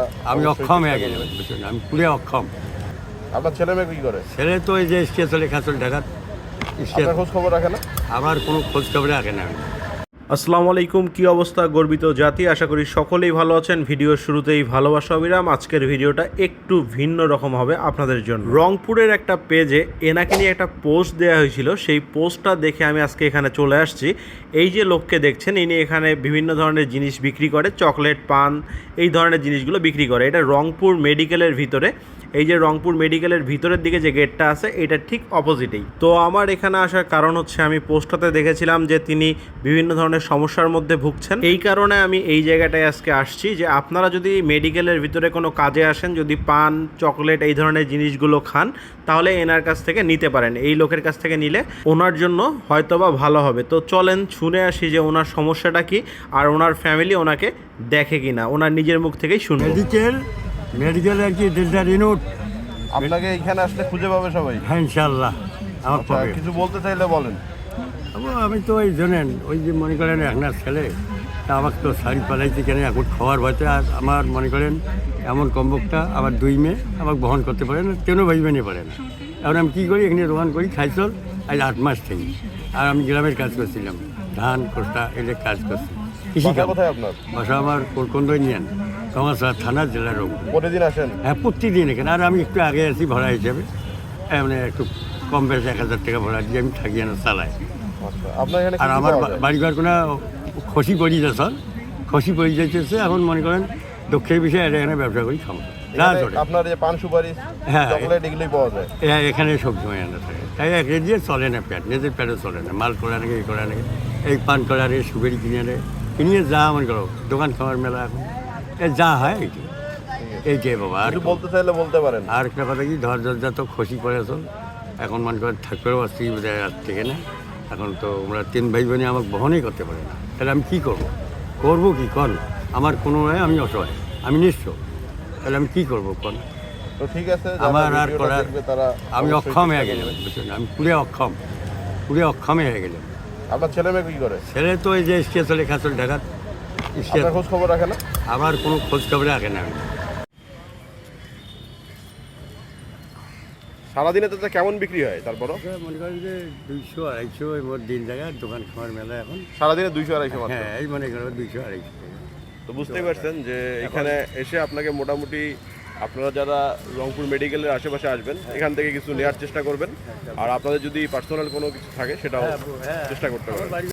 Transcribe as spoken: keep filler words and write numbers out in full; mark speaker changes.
Speaker 1: আমি অক্ষম হয়ে গেলাম, বুঝছেন, আমি পুরে অক্ষম।
Speaker 2: আপনার ছেলে মেয়ে কি করে?
Speaker 1: ছেলে তো এই যে স্টেজ চলে খাচল ঢাকার
Speaker 2: আপনার খোঁজ খবর রাখে না?
Speaker 1: আমার কোনো খোঁজ খবর রাখে না। আমি
Speaker 3: আসসালামু আলাইকুম, কি অবস্থা গর্বিত জাতি, আশা করি সকলেই ভালো আছেন। ভিডিওর শুরুতেই ভালোবাসা অবিরাম। আজকের ভিডিওটা একটু ভিন্ন রকম হবে আপনাদের জন্য। রংপুরের একটা পেজে এনাকে নিয়ে একটা পোস্ট দেওয়া হয়েছিল, সেই পোস্টটা দেখে আমি আজকে এখানে চলে আসছি। এই যে লোককে দেখছেন, ইনি এখানে বিভিন্ন ধরনের জিনিস বিক্রি করে, চকলেট, পান, এই ধরনের জিনিসগুলো বিক্রি করে। এটা রংপুর মেডিকেলের ভিতরে। এই যে রংপুর মেডিকেলের ভিতরের দিকে যে গেটটা আছে, এটা ঠিক অপোজিটেই। তো আমার এখানে আসার কারণ হচ্ছে, আমি পোস্টটাতে দেখেছিলাম যে তিনি বিভিন্ন ধরনের সমস্যার মধ্যে ভুগছেন। এই কারণে আমি এই জায়গাটায় আজকে আসছি, যে আপনারা যদি মেডিকেলের ভিতরে কোনো কাজে আসেন, যদি পান, চকলেট, এই ধরনের জিনিসগুলো খান, তাহলে এনার কাছ থেকে নিতে পারেন। এই লোকের কাছ থেকে নিলে ওনার জন্য হয়তোবা ভালো হবে। তো চলেন শুনে আসি যে ওনার সমস্যাটা কি, আর ওনার ফ্যামিলি ওনাকে দেখে কিনা, ওনার নিজের মুখ থেকেই শুনবো।
Speaker 1: মেডিকেল মেডিকেল আর কি ডেল্টা রিনোট।
Speaker 2: আপনাকে এখানে আসলে খুঁজে পাবে সবাই?
Speaker 1: হ্যাঁ, ইনশাল্লাহ আমার
Speaker 2: আচ্ছা,
Speaker 1: পাবে।
Speaker 2: কিছু বলতে চাইলে বলেন।
Speaker 1: আবার আমি তো ওই জানেন, ওই যে মনে করেন একনার ছেলে, তা আমাকে তো শাড়ি পালাইতে কেন এখন খাওয়ার ভয়তে। আর আমার মনে করেন এমন কম্বকটা আমার দুই মেয়ে আমাকে বহন করতে পারে না, তেনও ভাই নিয়ে পারে না। এখন আমি কী করি, এখানে দোকান করি, খাইচল আজ আট মাস থেকে। আর আমি গ্রামের কাজ করছিলাম, ধান কোষ্টা এদের কাজ করছি, কৃষি
Speaker 2: বাসা
Speaker 1: কাজ।
Speaker 2: কোথায় আপনার?
Speaker 1: বাসা আমার কোরকন্দই নিয়েন, কমাসা থানা, জেলার রংপুর।
Speaker 2: প্রতিদিন আসেন?
Speaker 1: হ্যাঁ, প্রতিদিন এখানে। আর আমি একটু আগে আছি ভাড়া হিসাবে, মানে একটু কম বেশি এক হাজার টাকা ভাড়া দিয়ে আমি থাকি না, চালাই।
Speaker 2: আচ্ছা, আপনার এখানে
Speaker 1: আর
Speaker 2: কি কি
Speaker 1: আমার
Speaker 2: পাওয়া যায়?
Speaker 1: বাড়িঘর কোনো খসি পড়ি যাচ্ছে, খসি পড়ি যাইতেছে। এখন মনে করেন দক্ষিণ বিষয়ে এটা এখানে ব্যবসা করি, খাবো না
Speaker 2: এখানে
Speaker 1: চলে।
Speaker 2: আপনার যে পান সুপারি,
Speaker 1: হ্যাঁ।
Speaker 2: চকলেট, এগুলোই পাওয়া যায়?
Speaker 1: এ- এখানে সব সময় আনা থাকে, তাই এক দিয়ে চলে না পেট, নিজের পেটে চলে না। মাল করা নাকি এই করা নাকি, এই পান করারে সুপারি কিনে আনে, কিনিয়ে যা মনে করো দোকান খাওয়ার মেলা এখন এ যা হয় এইটি এইটাই বাবা। আর
Speaker 2: কিছু বলতে চাইলে বলতে পারেন।
Speaker 1: আর একটা কথা কি, ধর দরজা তো খসি পড়েছ, এখন মনে করেন থাকতেও আসছি বোধহয় রাত থেকে না। এখন তো আমরা তিন ভাই বোনে আমাকে বহনই করতে পারে না, তাহলে আমি কী করবো? করবো কি কন? আমার কোনো আমি অসহায়, আমি নিঃস্ব, তাহলে আমি কী করবো কন?
Speaker 2: তো ঠিক আছে, যারা
Speaker 1: আমার আর
Speaker 2: ভিডিওটা
Speaker 1: করার,
Speaker 2: দেখবে তারা
Speaker 1: আমি
Speaker 2: অবশ্যই
Speaker 1: অক্ষম হয়ে
Speaker 2: চেষ্টা
Speaker 1: গেলাম,
Speaker 2: করবে।
Speaker 1: বুঝছেন, আমি পুরে অক্ষম, পুরে অক্ষমে হয়ে গেলাম।
Speaker 2: আপনার ছেলে মেয়ে কি করে?
Speaker 1: ছেলে তো এই যে স্টেজ চলে খাচল ঢাকার স্টেজ,
Speaker 2: আপনার খোঁজ খবর রাখে না?
Speaker 1: আমার কোনো খোঁজ খবর রাখে না। আমি
Speaker 2: সারাদিনে তো কেমন বিক্রি হয় তারপরও?
Speaker 1: মনে করেন যে দুইশো আড়াইশো এই মোট দিন জায়গায় দোকান খাওয়ার মেলা এখন।
Speaker 2: সারাদিনে দুইশো আড়াইশো মাত্র?
Speaker 1: হ্যাঁ, এই মনে করেন দুইশো আড়াইশো টাকা।
Speaker 2: তো বুঝতেই পারছেন যে এখানে এসে আপনাকে মোটামুটি আপনারা যারা রংপুর মেডিকেলের আশেপাশে আসবেন, এখান থেকে কিছু নেওয়ার চেষ্টা করবেন। আর আপনাদের যদি পার্সোনাল কোনো কিছু থাকে সেটাও
Speaker 1: হ্যাঁ, হ্যাঁ।
Speaker 2: চেষ্টা করতে পারেন।